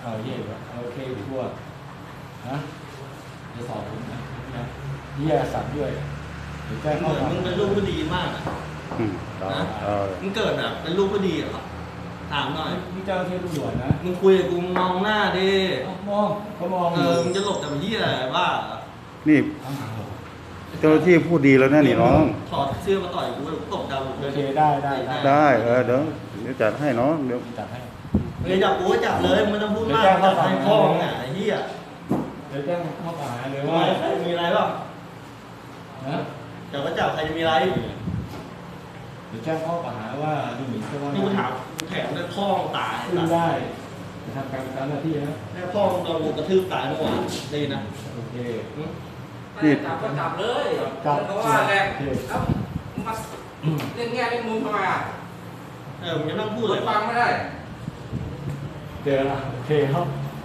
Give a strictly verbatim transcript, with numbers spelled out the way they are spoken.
เอาเยี่ยมเอาโอเคทั่วนะจะสอบผมนะนะเยี่ยสัตว์ด้วยเดี๋ยวแจ้งเหข้อมือนหามึงเป็นลูกผู้ดีมากอะอืมต่อนะเออมึงเกิดแบบเป็นลูกผู้ดีเหรอถามหน่อยนี่เจ้าที่ตำรวจนะมึงคุยกับกูมองหน้าดิมองเขามองเออมึงจะหลบแต่เหี้ยอะไรบ้าเหรอนี่เอาหาเหรอเจ้าหน้าที่พูดดีแล้วนะนี่น้องถอดเสื้อมาต่อยกูแล้วกูตบดาวโอเคได้ได้ได้ได้เออเดี๋ยวเดี๋ยวจัดให้น้องเดี๋ยวจัดให้มึงจะจับกูก็จับเลยมึงไม่ต้องพูดมากเดี๋ยวแจ้งข้อจับหาให้พ่อมึงอ่ะไอ้เหี้ยเดี๋ยวแจ้งข้อกล่าวหาเลยทำว่าไมใครมีอะไรบ้างนะจับก็จับใครจะมีอะไรเดี๋ยวแจ้งข้อกล่าวหาว่าดูหมิ่นเจ้าพนักนี่กูงาถามนกูแถมได้พ่อมึงตายขึ้นได้จะทำการตามหน้าที่นะแม่พ่อมึงโดนกูกระทืบตายเมื่อวานดีนะโอเคหึนี่จับก็จับเลยจับเพราะว่าแหละโอเคแล้วมาเล่นแง่เล่นมุมทำไมอ่ะเออมึงจะนั่งพูดพูเลดยฟังไม่ได้เจอละโอเคครับ